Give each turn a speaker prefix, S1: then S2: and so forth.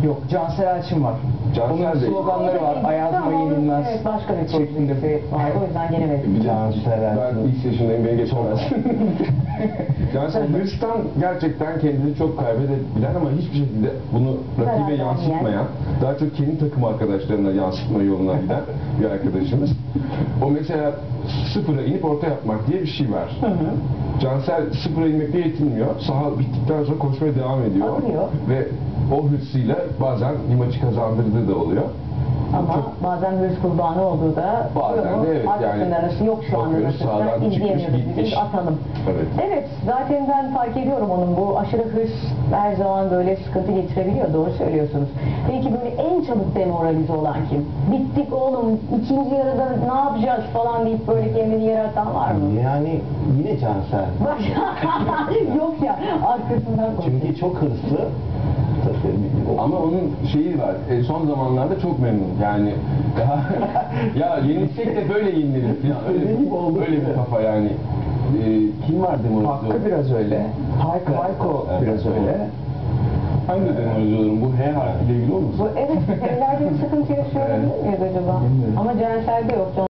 S1: Yok, Cansel Elçin var.
S2: Cansel
S1: Onun
S2: Bey.
S1: sloganları var. Ayazma yenilmez.
S3: Evet, başka bir
S1: şeklinde.
S3: projesi var. O yüzden gelemedim.
S2: Ben ilk yaşındayım, beni geçemez. Cansel hırstan gerçekten kendini çok kaybedebilen ama hiçbir şekilde bunu rakibe yansıtmayan, daha çok kendi takım arkadaşlarına yansıtma yoluna giden bir arkadaşımız. O mesela sıfıra inip orta yapmak diye bir şey var. Cansel sıfıra inmekle yetinmiyor. Saha bittikten sonra koşmaya devam ediyor.
S3: Akıyor.
S2: Ve o hırsıyla bazen bir maçı kazandırdığı da oluyor.
S3: Ama bazen hırs kurbanı olduğu da
S2: bazen de evet,
S3: arkasının arası yok şu anda.
S2: bakıyoruz, sağdan
S3: İzleyemiyoruz.
S2: çıkmış,
S3: Biz
S2: gitmiş.
S3: atalım.
S2: Evet.
S3: Evet, zaten ben fark ediyorum onun bu aşırı hırs her zaman böyle sıkıntı getirebiliyor. Doğru söylüyorsunuz. Peki böyle en çabuk demoralize olan kim? Bittik oğlum, ikinci yarıda ne yapacağız falan deyip böyle kendini yere atan var mı?
S4: Yani yine Cansel.
S3: Bak, yok ya, arkasından koşuyor.
S4: Çünkü çok hırslı.
S2: Ama onun şeyi var, son zamanlarda çok memnun. Yani ya yenilsek de böyle yeniliriz falan. Öyle bir kafa yani.
S4: Kim var demoralize?
S1: Hakkı biraz öyle. Hayko biraz öyle.
S2: Hangi demoralize olurum? Bu H harfiyle ilgili olmasın?
S3: Evet, evlerde bir sıkıntı yaşıyor olabilir miyiz acaba?
S1: Bilmiyorum.
S3: Ama Cansel'de yok.